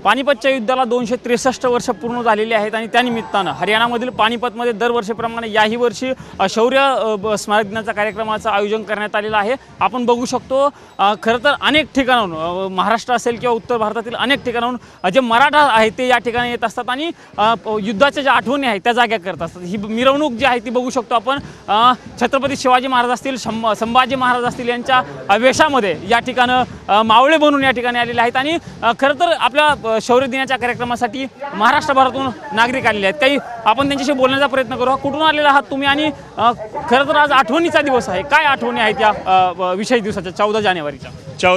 पानिपतच्या युद्धाला 263 वर्ष पूर्ण झालेली आहेत आणि त्यानिमित्तानं हरियाणामधील पानिपतमध्ये दरवर्षीप्रमाणे याही वर्षी शौर्य स्मारक दिनाचा कार्यक्रमाचं आयोजन करण्यात आलेलं आहे। आपण बघू शकतो खरं तर अनेक ठिकाणाहून महाराष्ट्र असेल किंवा उत्तर भारतातील अनेक ठिकाणाहून जे मराठा आहेत ते या ठिकाणी येत असतात आणि युद्धाच्या ज्या आठवणी आहेत त्या जाग्या करत असतात। ही मिरवणूक जी आहे ती बघू शकतो आपण छत्रपती शिवाजी महाराज असतील संभाजी महाराज असतील यांच्या वेशामध्ये या ठिकाणं मावळे बनून या ठिकाणी आलेले आहेत आणि खरं तर आपल्या शौर्य दिनाच्या कार्यक्रमासाठी महाराष्ट्रभरातून नागरिक आलेले आहेत। काही आपण त्यांच्याशी बोलण्याचा प्रयत्न करू। कुठून आलेला आहात तुम्ही आणि खरं तर आज आठवणीचा दिवस आहे, काय आठवणी आहेत या विशेष दिवसाच्या 14 जानेवारीच्या?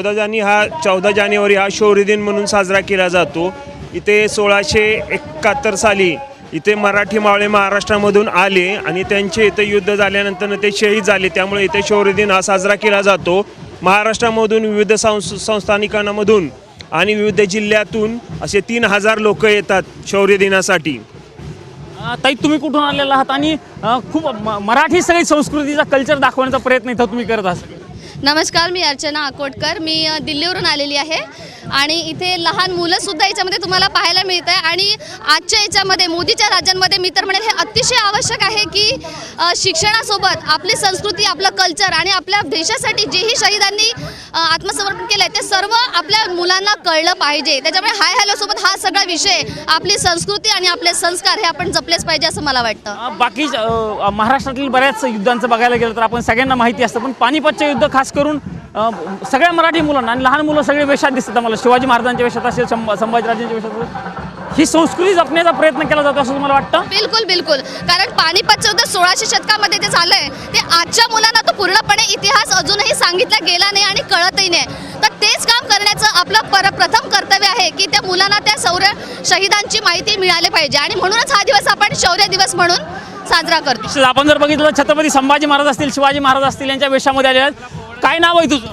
14 जानेवारी हा शौर्य दिन म्हणून साजरा केला जातो। इथे 1671 साली इथे मराठी मावळे महाराष्ट्रामधून आले आणि त्यांचे इथे युद्ध झाल्यानंतर ते शहीद झाले, त्यामुळे इथे शौर्य दिन हा साजरा केला जातो। महाराष्ट्रामधून विविध संस्थानिकांमधून आणि विविध जिल्ह्यातून असे 3000 लोक येतात शौर्य दिनासाठी। ताई तुम्ही कुठून आलेला आहात आणि खूप मराठी सगळी संस्कृतीचा कल्चर दाखवण्याचा प्रयत्न इथं तुम्ही करत आहात? नमस्कार, मी अर्चना आकोटकर, मी दिल्लीवरून आलेली आहे आणि इथे लहान मुलंसुद्धा याच्यामध्ये तुम्हाला पाहायला मिळत आहे आणि आजच्या याच्यामध्ये मोदीच्या राज्यांमध्ये मी तर म्हणेल हे अतिशय आवश्यक आहे की शिक्षणासोबत आपली संस्कृती, आपलं कल्चर आणि आपल्या देशासाठी जेही शहीदांनी आत्मसमर्पण केलं आहे ते सर्व आपल्या मुलांना कळलं पाहिजे। त्याच्यामुळे हाय हॅलोसोबत हा सगळा विषय आपली संस्कृती आणि आपले संस्कार हे आपण जपलेच पाहिजे असं मला वाटतं। बाकी महाराष्ट्रातील बऱ्याच युद्धांचं बघायला गेलं तर आपण सगळ्यांना माहिती असतं, पण पानिपतचे युद्ध खास करून सगळ्या मराठी मुलांना आणि लहान मुलं सगळे वेशात दिसतात। आम्हाला शिवाजी महाराजांच्या वेशात असेल, संभाजीराजांच्या वेशात असेल, ही संस्कृती जपण्याचा प्रयत्न केला जातो असं तुम्हाला वाटतं? बिलकुल बिलकुल, कारण पानिपतचं युद्ध 1600 शतकामध्ये जे झालंय ते आजच्या मुलांना तो पूर्णपणे इतिहास अजूनही सांगितला गेला नाही आणि कळतही नाही। तर तेच काम करण्याचं आपलं प्रथम कर्तव्य आहे की त्या मुलांना त्या शहीदांची माहिती मिळाली पाहिजे आणि म्हणूनच हा दिवस आपण शौर्य दिवस म्हणून साजरा करतो। आपण जर बघितलं छत्रपती संभाजी महाराज असतील, शिवाजी महाराज असतील यांच्या वेशामध्ये आले आहेत। काय नाव आहे तुझं?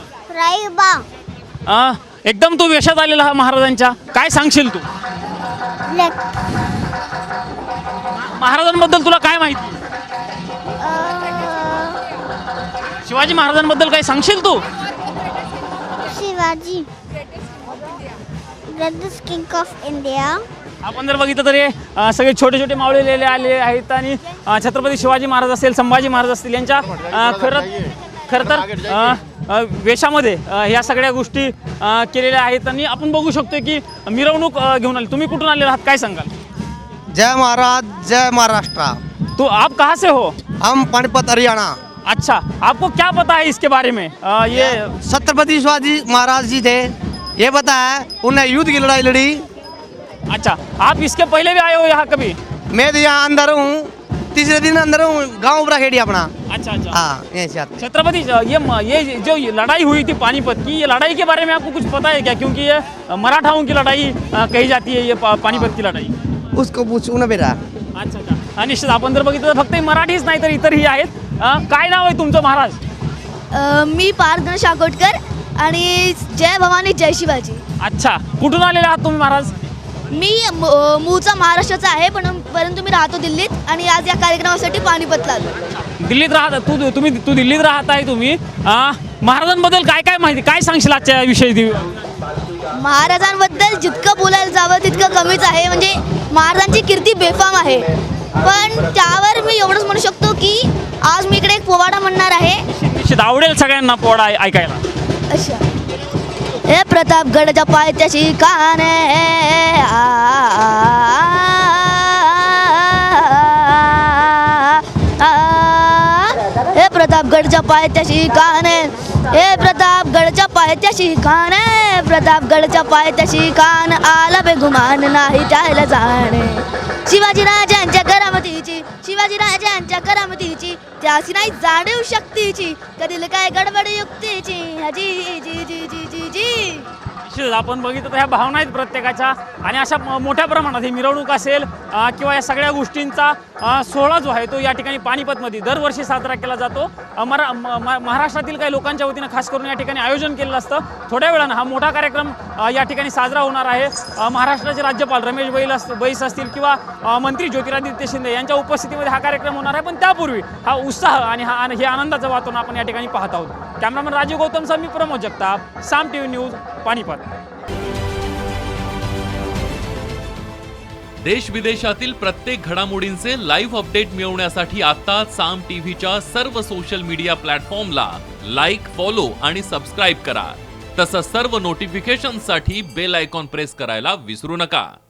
राईबा। एकदम तू वेशात आलेला हा महाराजांच्या, काय सांगशील तू? महाराजांबद्दल तुला काय माहिती? शिवाजी महाराजांबद्दल काय सांगशील तू? Shivaji greatest king of India. आपण जर बघितलं तर सगळे छोटे छोटे मावळेलेले आले आहेत आणि छत्रपती शिवाजी महाराज असेल, संभाजी महाराज असतील यांच्या खरं तर वेशामध्ये ह्या सगळ्या गोष्टी केलेल्या आहेत आणि आपण बघू शकतो की मिरवणूक घेऊन आली। तुम्ही कुठून आलेला आहात, काय सांगाल? जय महाराज, जय महाराष्ट्र। तो आप कहाँ से हो? हम पानीपत हरियाणा। अच्छा, आपको क्या पता है इसके बारे में? ये छत्रपति शिवाजी महाराज जी थे, ये पता है, उन्हें युद्ध की लड़ाई लड़ी। अच्छा, आप इसके पहले भी आए हो यहाँ कभी? मैं तो यहाँ अंदर हूँ, तीसरे दिन अंदर हूँ, गाँव बड़ा खेड़ी अपना। अच्छा अच्छा, हाँ, यहीं से आते। छत्रपति ये जो लड़ाई हुई थी पानीपत की, ये लड़ाई के बारे में आपको कुछ पता है क्या? क्योंकि ये मराठाओं की लड़ाई कही जाती है, ये पानीपत की लड़ाई। उसको पूछू ना बेटा। अच्छा अच्छा, निश्चित आपण जर बघितलं तर फक्त मराठीच नाही तर इतरही आहेत। काय नाव आहे तुमचं महाराज? मी पार्थ आकोटकर आणि जय भवानी जय शिवाजी। अच्छा, कुठून आलेले आहात तुम्ही महाराज? मी मूळचा महाराष्ट्राचा आहे परंतु मी राहतो दिल्लीत आणि आज या कार्यक्रमासाठी पानिपतला आलो। दिल्लीत राहता तू दिल्लीत राहत आहे तुम्ही। महाराजांबद्दल काय काय माहिती, काय सांगशील आजच्या विषयी? महाराजांबद्दल जितकं बोलायला जावं तितकं कमीच आहे, म्हणजे महाराजांची कीर्ती बेफाम आहे। पण त्यावर मी एवढंच म्हणू शकतो की आज मी इकडे एक पोवाडा म्हणणार आहे। निश्चित आवडेल सगळ्यांना पोवाडा ऐकायला। अच्छा, हे प्रतापगडच्या पायथ्याशी काने हे प्रतापगडच्या पायथ्याशी काने, हे प्रतापगडच्या पायथ्याशी काने, प्रतापगडच्या पायथ्याशी कान आला बेगुमान नाही त्याला जाणे। शिवाजीराजांच्या करामतीची, शिवाजीराजांच्या करामतीची त्याची नाही जाणीव शक्तीची, कधील काय गडबड युक्तीची जी जी जी जी जी जी। आपण बघितलं तर ह्या भावना आहेत प्रत्येकाच्या आणि अशा मोठ्या प्रमाणात ही मिरवणूक असेल किंवा या सगळ्या गोष्टींचा सोहळा जो आहे तो या ठिकाणी पानिपतमध्ये दरवर्षी साजरा केला जातो। महाराष्ट्रातील काही लोकांच्या वतीनं खास करून या ठिकाणी आयोजन केलेलं असतं। थोड्या वेळानं हा मोठा कार्यक्रम या ठिकाणी साजरा होणार आहे। महाराष्ट्राचे राज्यपाल रमेश बैस असतील किंवा मंत्री ज्योतिरादित्य शिंदे यांच्या उपस्थितीमध्ये हा कार्यक्रम होणार आहे। पण त्यापूर्वी हा उत्साह आणि हे आनंदाचं वातावरण आपण या ठिकाणी पाहत आहोत। कॅमेरामन राजीव गौतमसह मी प्रमोद जगताप, साम टीव्ही न्यूज, पानिपत। देश विदेशातील प्रत्येक घडामोडींचे लाईव्ह अपडेट मिळवण्यासाठी आता साम टीव्हीच्या सर्व सोशल मीडिया प्लॅटफॉर्मला लाईक, फॉलो आणि सबस्क्राईब करा. तसंच सर्व नोटिफिकेशनसाठी बेल आयकॉन प्रेस करायला विसरू नका.